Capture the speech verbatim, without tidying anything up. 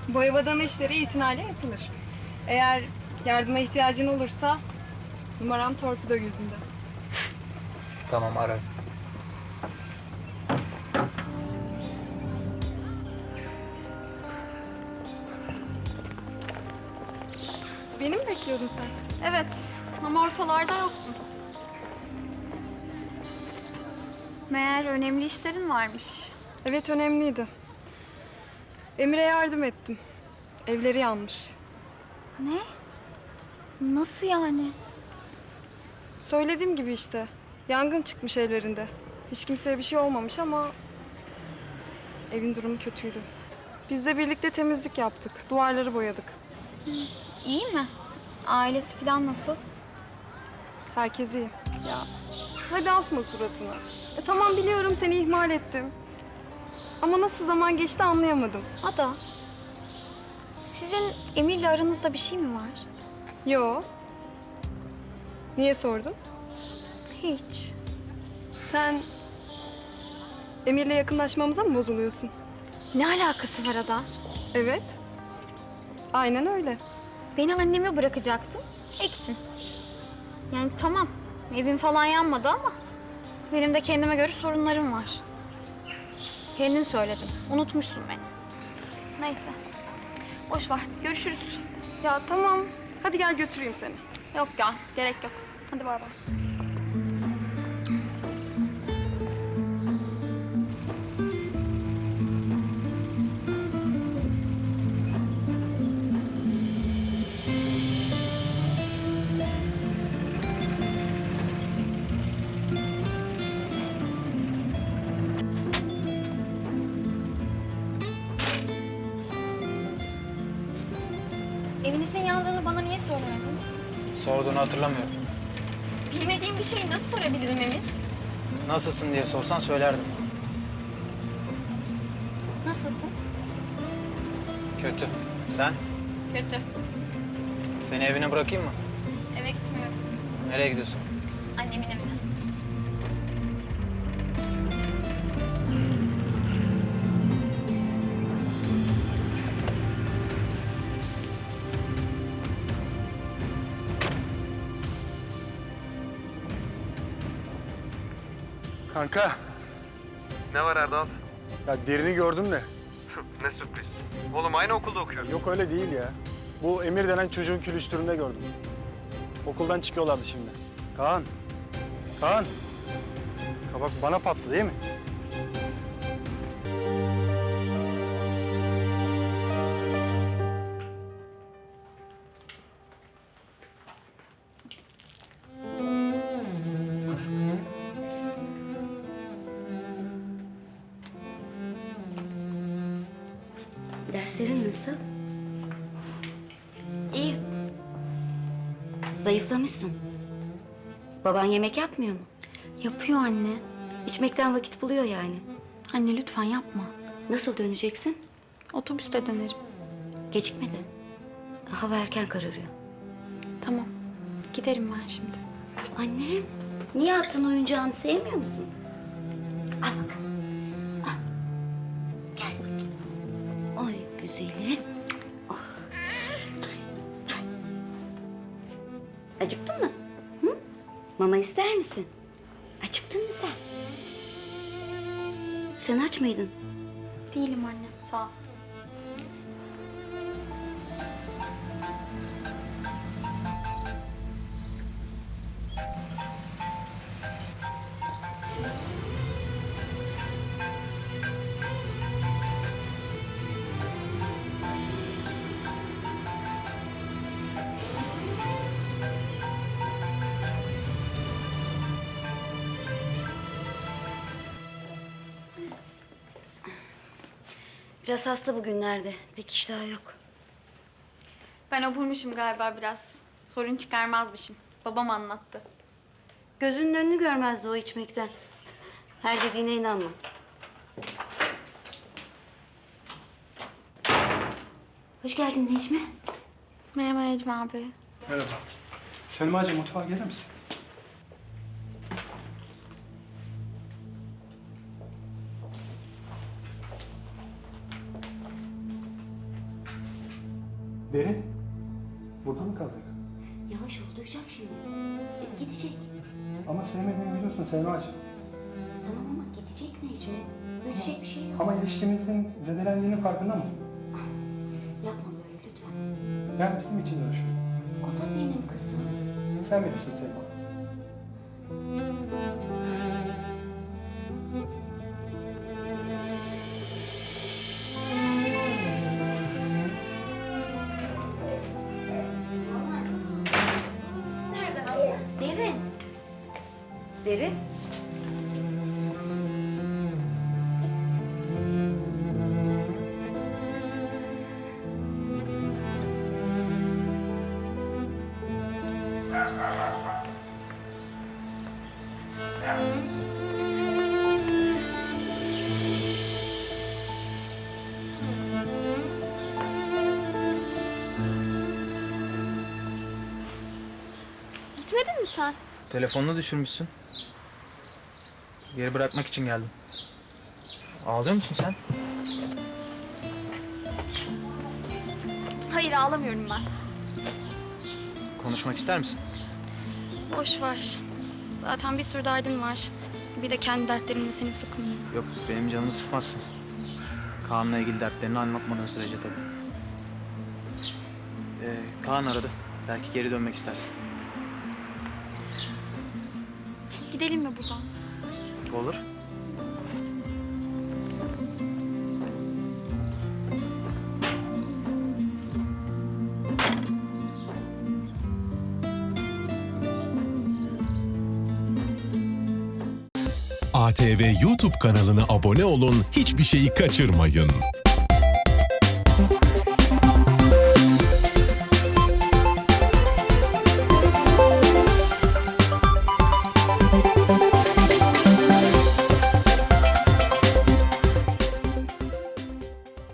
Boya badana işleri itinayla yapılır. Eğer yardıma ihtiyacın olursa numaram torpido gözünde. Tamam, ararım. Beni mi bekliyordun sen? Evet ama ortalarda yoktun. Meğer önemli işlerin varmış. Evet, önemliydi. Emir'e yardım ettim. Evleri yanmış. Ne? Nasıl yani? Söylediğim gibi işte. Yangın çıkmış evlerinde. Hiç kimseye bir şey olmamış ama evin durumu kötüydü. Biz de birlikte temizlik yaptık. Duvarları boyadık. İyi mi? Ailesi falan nasıl? Herkes iyi. Ya hadi asma suratını. E, tamam, biliyorum seni ihmal ettim. Ama nasıl zaman geçti anlayamadım. Ada, sizin Emir'le aranızda bir şey mi var? Yo. Niye sordun? Hiç. Sen Emir'le yakınlaşmamıza mı bozuluyorsun? Ne alakası var Ada? Evet. Aynen öyle. Beni anneme bırakacaktın, ektin. Yani tamam, evim falan yanmadı ama benim de kendime göre sorunlarım var. Kendin söyledin, unutmuşsun beni. Neyse, boş ver, görüşürüz. Ya tamam. Hadi gel götüreyim seni. Yok ya, gerek yok. Hadi bay bay. Evinizin yandığını bana niye söylemedin? Sorduğunu hatırlamıyorum. Bilmediğim bir şeyi nasıl sorabilirim Emir? Nasılsın diye sorsan söylerdim. Nasılsın? Kötü. Sen? Kötü. Seni evine bırakayım mı? Eve gitmiyorum. Nereye gidiyorsun? Annemin evine. Kanka, Ne var Erdal? ya derini gördüm de. Ne sürpriz. Oğlum aynı okulda okuyoruz. Yok öyle değil ya. Bu Emir denen çocuğun külüstüründe gördüm. Okuldan çıkıyorlardı şimdi. Kaan, Kaan. Kabak bana patladı değil mi? Derslerin nasıl? İyi. Zayıflamışsın. Baban yemek yapmıyor mu? Yapıyor anne. İçmekten vakit buluyor yani. Anne lütfen yapma. Nasıl döneceksin? Otobüste dönerim. Gecikme de. Hava erken kararıyor. Tamam. Giderim ben şimdi. Annem, niye attın oyuncağını? Sevmiyor musun? Al bakalım. Al. Gel bakayım. Oy güzelim. Oh. Ay, ay. Acıktın mı? Hı? Mama ister misin? Acıktın mı sen? Sen aç mıydın? Değilim anne. Sağ ol. Biraz hasta bugünlerde. Pek iştahı yok. Ben oburmuşum galiba biraz. Sorun çıkarmazmışım. Babam anlattı. Gözünün önünü görmezdi o içmekten. Her dediğine inanma. Hoş geldin Necmi. Merhaba Necmi abi. Merhaba. Selma'cığım mutfağa gelir misin? Derin. Burada mı kalacak? Yavaş ol, duyacak şimdi. E, gidecek. Ama sevmediğimi biliyorsun Semra'cığım. Tamam ama gidecek Necmi. Ödeyecek bir şey yok. Ama ilişkimizin zedelendiğinin farkında mısın? Yapma böyle lütfen. Ben bizim için uğraşıyorum. O da benim kızım. Sen bilirsin Selma. Derin. Derin. Gitmedin mi sen? Telefonunu düşürmüşsün. Geri bırakmak için geldim. Ağlıyor musun sen? Hayır, ağlamıyorum ben. Konuşmak ister misin? Boş ver. Zaten bir sürü derdin var. Bir de kendi dertlerimle seni sıkmayayım. Yok, benim canımı sıkmazsın. Kaan'la ilgili dertlerini anlatmadığın sürece tabii. Ee, Kaan aradı. Belki geri dönmek istersin. Gidelim mi buradan? Olur. A T V YouTube kanalına abone olun, hiçbir şeyi kaçırmayın.